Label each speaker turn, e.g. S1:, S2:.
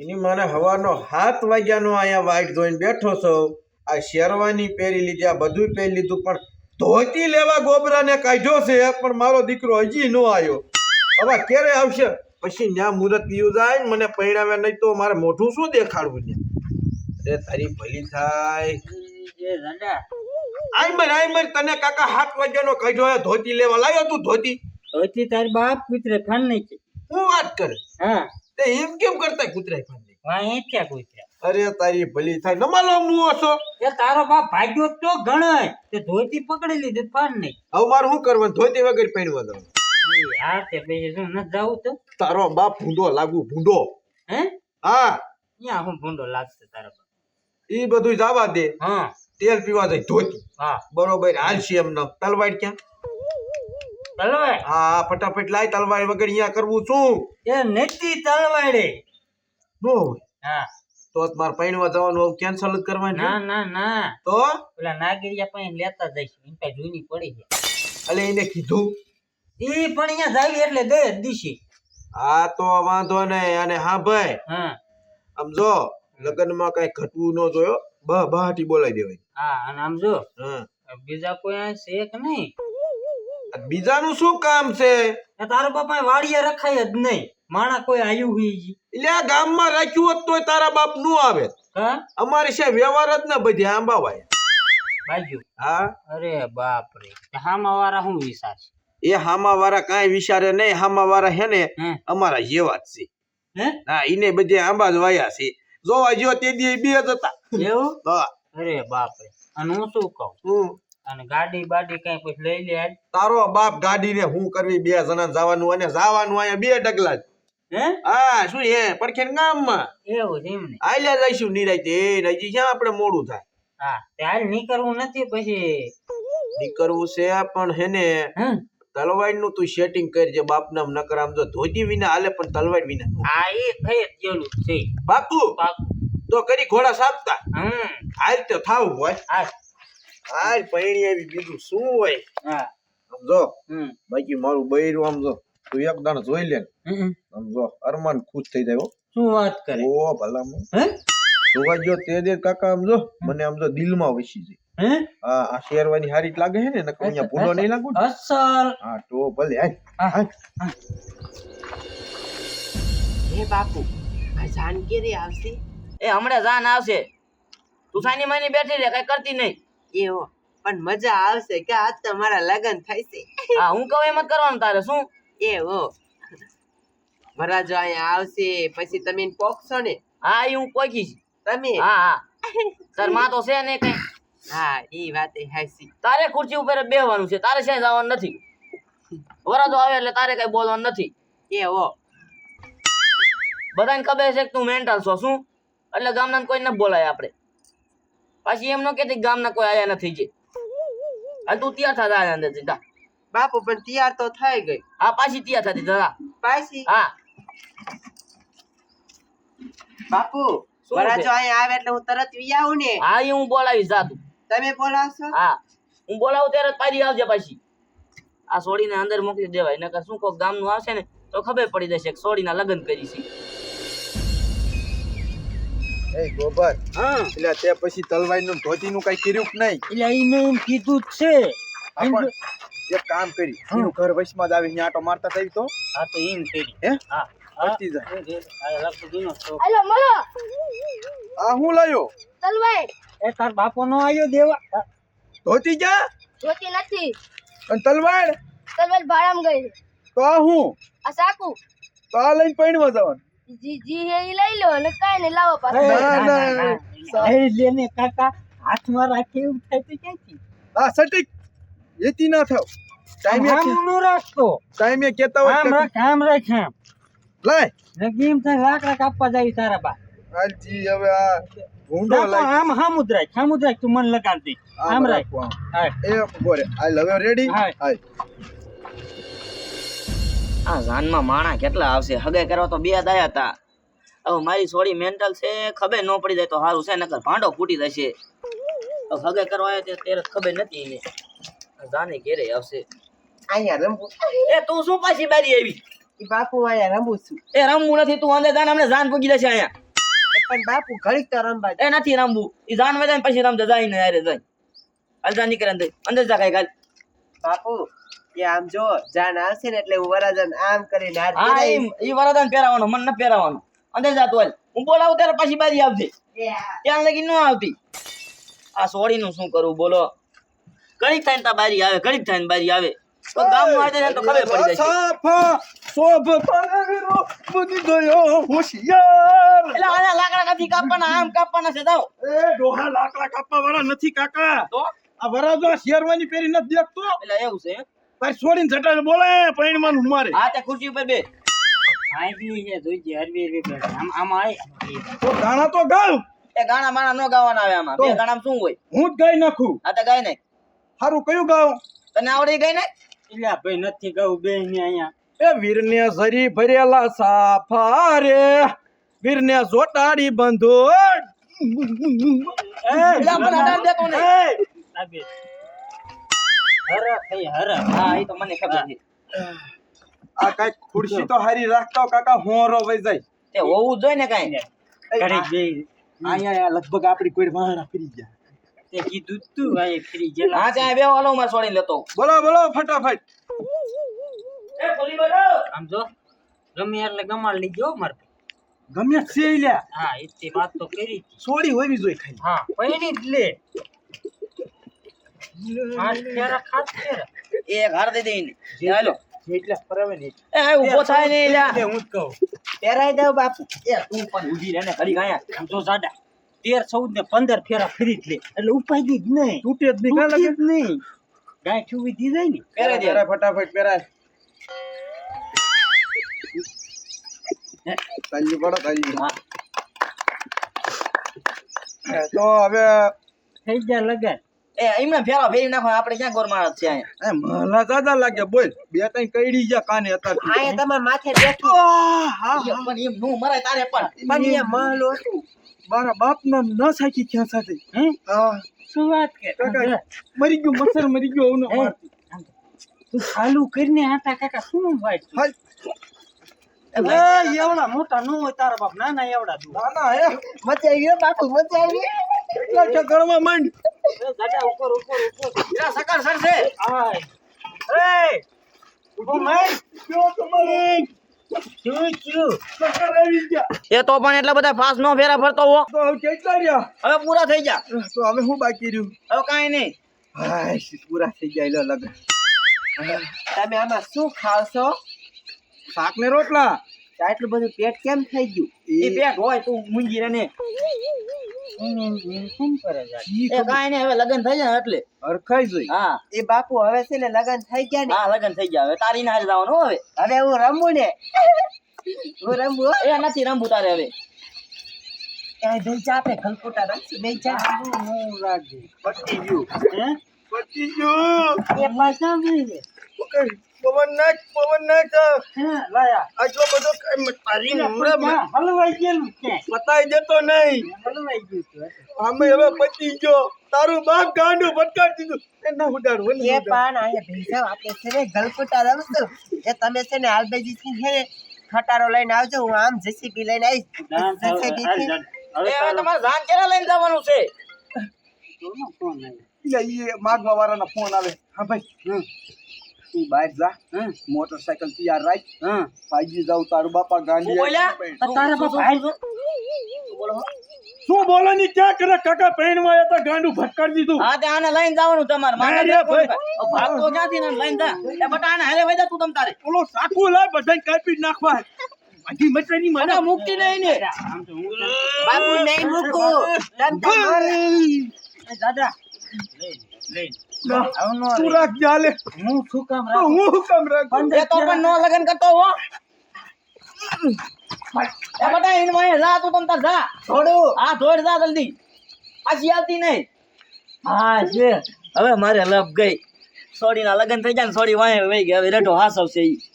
S1: એની મને હવાનો 7 વાગ્યાનો અહીંયા વાઈટ જોઈને બેઠો છો. આ શેરવાની પહેરી લીધી, આ બધું પહેરી લીધું, પણ ધોતી લેવા ગોબરાને કાઢ્યો છે, પણ મારો દીકરો હજી ન આવ્યો. હવે ક્યારે આવશે? પછી ન્યા મુહૂર્ત પીયું જાય ને મને પરિણામે, નહીં તો મારે મોઢું શું દેખાડવું ને. અરે તારી ભલી થાય. આઈ તને કાકા 7 વાગ્યાનો કાઢ્યો, ધોતી લેવા લાવ્યો તું. ધોતી
S2: તારી બાપ કૂતરે ખાન નહીં છે.
S1: હું વાત કરે?
S2: હા,
S1: તે એમ કેમ કરતા કૂતરાય ખાન નહીં?
S2: વાહ એ ક્યાં કૂતરા?
S1: અરે તારી ભલી થાય, નમાલો મુઓ છો.
S2: એ તારો બાપ ભાગ્યો તો ગણાય, તે ધોતી પકડી લીધી ફાન નહીં.
S1: હવે મારે શું કરવાનું? ધોતી વગર પહેરવા દઉં?
S2: હા, તે પછી શું ન જાવું તો?
S1: તારો બાપ ભૂંડો લાગુ, ભૂંડો.
S2: હે?
S1: હા,
S2: ત્યાં હું ભૂંડો લાગશે તારા બાપ?
S1: ઈ બધું જવા દે.
S2: હા,
S1: તેલ પીવા જાય ધોતી.
S2: હા
S1: બરોબર, હાલશે એમને. તલવાડ ક્યાં?
S2: તલવાડ?
S1: હા, ફટાફટ લાય. તલવાડ વગર અહીંયા કરવું શું?
S2: એ નથી તલવાડે.
S1: નો હોય
S2: હા,
S1: તો મારે પૈણવા જવાનું કેન્સલ જ કરવાનું.
S2: ના ના ના,
S1: તો
S2: પેલા નાગરિયા પાસે લેતા જઈશું. એમ કઈ જૂની પડી છે.
S1: અલે એને કીધું
S2: ઈ પણ અહીંયા જાવી એટલે દે દીશી.
S1: હા તો વાંધો નહીં. અને હા ભાઈ,
S2: હા
S1: આમ જો લગ્નમાં કઈ ઘટવું ન જોયો, બહાટી બોલાવી દેવાય.
S2: હા, અને આમ જો
S1: હા,
S2: બીજા કોઈ આ છે કે નહીં?
S1: બીજાનું શું કામ છે?
S2: એ તારો બાપા વાડીએ રખાય જ નહીં. માણા કોઈ આયુ હોય જી.
S1: એટલે આ ગામમાં રાખ્યું હોત તોય તારા બાપ નું આવે.
S2: હા,
S1: અમારી છે વ્યવહાર જ ને બધી આંબાવાય.
S2: બાજુ.
S1: હા,
S2: અરે બાપ રે, હામા વાળા શું વિચાર છે?
S1: એ હામા વાળા કાંઈ વિચારે નહીં. હામા વાળા હે ને
S2: હે?
S1: અમારા જેવા જ છે.
S2: હે?
S1: હા, ઈને બધે આંબા જ વાયા છે. જોવા જો તે દી બે જ હતા.
S2: એવું?
S1: હા.
S2: અરે બાપ રે. અને હું શું કહું? અને ગાડી બાડી કઈ પછી લઈ લે આજ.
S1: તારો બાપ ગાડી ને હું કરવી? 2 જણા જવાનું, અને જવાનું અહીંયા 2 ડગલા જ.
S2: હે?
S1: હા, શું હે પડખે ગામમાં
S2: એવું છે એમ ને?
S1: આલ્યા જઈશું નિરાતે. નજી ક્યાં આપણે મોડું થાય.
S2: હા, તે હાલ નીકળવું નથી પછી.
S1: નીકળવું છે પણ હે ને
S2: હે?
S1: તલવાડ નું તું સેટિંગ કરજે. બાપ નામ નકર આમ જો ધોતી વિના હાલે, પણ તલવાડ વિના.
S2: હા, એ થઈ જ ગયેલું છે.
S1: બાપુ
S2: પાકું.
S1: તો કરી ઘોડા સાપતા હાલ તો થાવું હોય.
S2: હા
S1: હાલ પૈણી આવી, બીજું શું હોય.
S2: હા.
S1: આમ જો
S2: હમ.
S1: બાકી મારું બૈરું આમ જો તું એક દાણ જોઈ લે ને, આમ જો અરમાન ખુશ થઈ જાય.
S2: શું વાત કરે?
S1: ઓ ભલા
S2: હે?
S1: જોવા ગયો તે દે કાકા, આમ જો મને આમ જો દિલમાં વસી જાય.
S2: હે?
S1: હા, આ શેરવાની હારી જ લાગે છે ને, નકર અહીંયા ભૂલો નહીં લાગુ ને.
S2: અસલ.
S1: હા તો ભલે. હાલ
S3: હે બાપુ, આ જાન કેરી આવશે?
S4: એ હમણાં જાન આવશે. તું સાની માની બેઠી રે, કઈ કરતી નહીં.
S3: એવો પણ મજા આવશે કે આજ તો મારા લગન થાય છે.
S4: હા, હું કહું એમ જ કરવાનું તારે. શું?
S3: એવો વરાજો અહીંયા આવશે પછી તમે એને પોખશો ને?
S4: હા, એ હું પોખીશ.
S3: તમે?
S4: હા હા, તાર માં તો છે ને કઈ.
S3: હા, એ વાત હાચી.
S4: તારે ખુરશી ઉપર જ બેહવાનું છે, તારે ક્યાંય જવાનું નથી. વરાજો આવે એટલે તારે કઈ બોલવાનું નથી.
S3: એવો
S4: બધાને ખબર છે કે તું મેન્ટલ છો. શું? એટલે ગામના કોઈ ન બોલાય આપણે. પાછી એમ ન કહેતી ગામના કોઈ આયા નથી જે. હાલ તું તૈયાર થા જા અંદર સીધા.
S3: બાપુ પણ તૈયાર તો થઈ ગઈ.
S4: હા, પાછી તૈયાર થતી જરા.
S3: પાછી?
S4: હા.
S3: બાપુ
S4: શું
S3: વરાજો
S4: છે?
S3: અહીંયા આવે એટલે હું તરત વી આવું ને?
S4: હા, એ હું બોલાવીશ. જા તું.
S3: તમે બોલાવશો?
S4: હા, હું બોલાવું ત્યારે પાછી આવજે. પાછી આ સોડીને અંદર મોકલી દેવાય, નકર શું કોક ગામનું આવશે ને તો ખબર પડી જશે કે સોડીના લગ્ન કરી છે.
S1: એ ગોબર,
S2: હા,
S1: એટલે તે પછી તલવાડ નું ધોતી નું કઈ કર્યું કે નહીં?
S2: એટલે ઈ મેં એમ કીધું જ છે.
S1: આપણ એક કામ કરી, એનું ઘર વચમાં જ આવી, આટો મારતા થઈ તો.
S2: હા, તો એમ કરી.
S1: હે?
S2: હા,
S1: પતી જાય.
S2: આ લખી દીનો તો.
S5: હાલો મળો
S1: આ હું લાયો?
S5: તલવાડ
S2: એ તાર બાપો નો આયો દેવા.
S1: ધોતી ક્યાં?
S5: જોતી નથી.
S1: અને તલવાડ?
S5: તલવાડ ભાડામાં ગઈ છે.
S1: તો આ હું?
S5: આ સાકુ
S1: તો આ લઈને પૈણવા જવાનું.
S5: જી જી હે ઈ લઈ લો અને કાઈ ને લાવો
S2: એ,
S5: પાછો.
S1: ના.
S2: એ લેને કાકા હાથમાં રાખે એવું થાય તો ક્યાંથી?
S1: આ સટીક એતી ના થાવ.
S2: આમ નો રાખતો.
S1: ટાઈમે કેતા હોય
S2: આમ રાખ, આમ રાખ, આમ.
S1: લાય.
S2: નગીમ થાય લાકડા કાપવા જાય તારા બા.
S1: હાલજી હવે આ ભૂંડો
S2: ના, તો
S1: લાય.
S2: આમ હામું જ રાખ, હામું જ રાખ, તું મને લગાડ દે. આમ રાખ. હા.
S1: એ બોરે હાલ હવે રેડી.
S2: હા.
S1: હાલ
S4: આ જાનમાં માણા કેટલા આવશે? હગે કરવા તો 2 દાયા હતા. હવે મારી સોડી મેન્ટલ છે, ખબર ન પડી જાય તો સારું છે, નકર ભાંડો ફૂટી જશે. હવે હગે કરવા આવ્યા તે ત્યારે ખબર નથી એને. જાને ઘેરે આવશે.
S3: અહીંયા રમવું?
S4: એ તું શું પાછી બારી આવી?
S3: ઈ બાપુ અહીંયા રમું છું.
S4: એ રમવું નથી, તું અંદર જાન, અમને જાન પૂગી જશે અહીંયા.
S3: પણ બાપુ ઘડીક તો રમવા દે.
S4: એ નથી રમવું ઈ જાન વધે ને પછી રમજે જાય ને યારે જાય હાલ જા નીકળે અંદર જા કાઈ કાલ
S3: બાપુ એ આમ જો જાન આવશે ને એટલે હું વરાજન આમ કરીને હાથ
S4: હા
S3: ફેરવીશ.
S4: ઈ વરદાન પહેરાવાનો મન ન પહેરાવાનો અંદર જા તું હાલ હું બોલાવું ત્યારે પાછી બારી આવજે ત્યાં લગી ન આવતી આ સોડીનું શું કરું બોલો ઘડીક થઈને તા બારી આવે ઘડીક થઈને બારી આવે તો ગામમાં આવી જાય તો ખબર પડી જાય
S1: સાફા શોભ પારવીરો બુદ્ધિ ગયો હોશિયાર.
S4: એટલે આના લાકડા કાપી કાપવાના આમ કાપવાના છે જાઓ
S1: એ ડોહા લાકડા કાપવા વાળા નથી કાકા.
S4: તો
S1: આ વરાજો શેરવાની પેરી નથી દેખતો.
S4: એટલે એવું છે એમ?
S1: તાર છોડીને જટાને બોલાય પૈણમાં મારે.
S4: હા તે ખુરશી ઉપર બે
S2: આંબલી છે જોઈજે હરવી હરવી કરે. આમાં આય
S1: તો ગાણા તો ગાવ.
S4: એ ગાણા માણા નો ગાવાના આવે આમાં
S1: તો?
S4: બે ગાણામાં શું હોય
S1: હું જ ગાઈ નાખું.
S4: આ તો ગાય નાખ
S1: હારું કયું ગાવ?
S4: તને આવડે ગાય નાખ
S2: એટલે ભાઈ નથી કહું બે ને અહીંયા
S1: એ વીરને ઝરી ભરેલા સાફા રે વીરને જોટાડી બંધો.
S4: એટલે આપણને અડાડ દેતો નહીં.
S2: લાગે હર કઈ હર
S4: હા એ તો મને ખબર છે
S1: આ કઈ ખુરશી તો હારી રાખતા કાકા હોરો વઈ જાય.
S4: તે હોવું જ જોઈએ ને કાંઈ
S2: ઘડીક બે
S1: અહીંયા લગભગ આપડી કોઈ વાહણા ફરી ગયા.
S2: તે કીધું જ તું આ ફ્રી જેલા
S4: હા ત્યાં બે હાલો મારે છોડીને લેતો
S1: બોલો બોલો ફટાફટ.
S4: એ ખોલી બેઠો
S2: આમ જો ગમે એટલે ગમાડ લીજો માર
S1: ગમે છે લ્યા
S2: હા એ વાત તો કરી હતી.
S1: સોડી હોવી જોઈએ ખાલી.
S2: હા પૈણી જ લે ખાસ ફેરા ખાસ ફેરા
S4: એક હાર દે દઈને હાલો
S1: એટલે ફરાવે ને
S4: એ આ ઊભો થાય ને લ્યા
S2: હું જ કહું
S3: પહેરાઈ દઉં બાપુ.
S4: એ તું પણ ઊભી રહે ને ઘડી ગાયા
S2: આમ જો સાડા 13, 14 ને 15 ફેરા ફરી જ લે એટલે ઉપાય જ નહીં
S1: તૂટે જ નહીં કાલે
S2: તૂટી જ નહીં ગાય છુવી દી જાય ને
S4: પહેરાઈ દે
S1: પેરાય ફટાફટ પેરાય. તાલી પડો તાલી.
S4: હા
S1: તો હવે
S2: થઈ જાય લગન
S4: એ એમને ફેરા ફેરી નાખો આપણે ક્યાં ગોર માણસ છે અહીંયા
S1: એ માલા દાદા લાગે બોલ બે ત્રણ કઈડી ગયા કાને હતા.
S3: અહીંયા તમારા માથે બેઠી
S4: ઈ પણ એમ નું મરાય તારે પણ
S3: પણ અહીંયા મહલ હતું.
S1: મારા બાપ નામ ન સાચી ક્યાં સાથે.
S2: હે
S1: હા
S2: શું વાત કે
S1: કાકા મરી ગયું મસર મરી ગયો ઓનો મારતી.
S2: તું ચાલુ કરીને આટા કાકા શું વાત
S1: હાલ.
S2: એવડા મોટા નો હોય તારા બાપ નાના એવડા તું
S1: ના ના હે
S3: મચાઈ ગયો બાપુ મચાઈ ગયો.
S1: એટલા ઠકરમાં માંડ.
S2: ગાડા ઉપર ઉપર ઉપર
S4: એલા સકર સર છે
S2: આય એ ઉભો માર
S1: કયો તમારે
S2: ચૂ ચૂ
S1: સકર આવી ગયા.
S4: એ તો પણ એટલા બધા ફાસ નો ફેરા ફરતો હો
S1: તો હવે કેટલા રહ્યા?
S4: હવે પૂરા થઈ જા
S1: તો હવે શું બાકી રહ્યું?
S4: હવે કાંઈ નહીં
S1: હાય પૂરા થઈ જાય લો લગન.
S3: તમે આમાં શું ખાવશો?
S1: શાક ને રોટલા.
S3: આટલું બધું પેટ કેમ થઈ ગયું?
S4: એ પેટ હોય તું મૂંગી રે ને
S2: શું કરે યાર
S4: એ કાંઈ નહીં હવે લગન થઈ જાય એટલે
S1: હરખાઈ જોઈ.
S4: હા
S3: એ બાપુ હવે છે ને લગન થઈ ગયા ને
S4: હા લગન થઈ જાય હવે તારી ને હારે જવાનું હો હવે
S3: હવે હું રમું ને હું રમું હો.
S4: એ નથી રમવું તારે હવે
S3: એ દઈ જા આપણે ખલકોટા રમશું દઈ જા.
S2: હું લાગે
S1: પતી ગયું.
S2: હે
S1: પતી ગયું.
S2: એ પાછા ગઈ
S1: પવન નાખ
S2: હે લાયા
S1: આટલો બધો તારી હમણાં
S2: હલવાઈ ગયેલું કે
S1: પતાઈ દેતો નહીં.
S2: હલવાઈ ગયું તું
S1: આમે હવે પતી ગયો. તારું બાપ ગાંડું ભટકાડી દીધું. એ ના ઉડાડવું
S3: એ પણ અહીંયા દઈ જાઓ આપણે છે ને ગલકોટા રમશું. એ તમે છે ને આલબેજી થી છે ને ખટારો લઈને આવજો હું આમ જેસીબી લઈને આવીશ. JCB થી
S4: એ હવે તમારે જાન ક્યારે લઈને જવાનું છે
S2: ફોન
S1: એ માગવા વાળાનો ફોન આવે. હા ભાઈ તું બહાર જા. મોટરસાયકલ તૈયાર રાખ.
S2: હા
S1: ભાગી જાવ તારું બાપા ગાંડી.
S4: શું બોલ્યા?
S2: તારા બાપ ભાઈ
S1: શું બોલવાની ક્યાં કરે કાકા પૈણમાં હતા ગાંડું ભટકાડી દીધું.
S4: હા તે આને લઈને જવાનું તમારે મારે
S1: ના રે ભાઈ.
S4: ભાગતો ક્યાંથી ને લઈને જા એ બટા આને હાલે વઈ જા તું તમ તારે
S1: ઓલો સાકુ લાય બધાને કાપી જ નાખવા. બધી મચરાની મને
S4: મને મુક્તિ નહીં ને
S2: આમ તો હું
S3: બાપુ નહીં મૂકું. તમ તાર
S2: દાદા લઈ
S1: તું રાખ ચાલે.
S2: હું શું કામ
S1: તો હું કામ રાખ.
S4: એ તો પણ નો લગન કરતો હો એ બટા એને વાય જા તું તમ તાર જા
S3: થોડું
S4: હા દોડ જા જલ્દી પાછી આવતી નહીં હા છે હવે મારે લપ ગઈ સોડી ના લગન થઈ જાય ને સોડી વાય વઈ ગઈ હવે રેઠો હાસ આવશે ઈ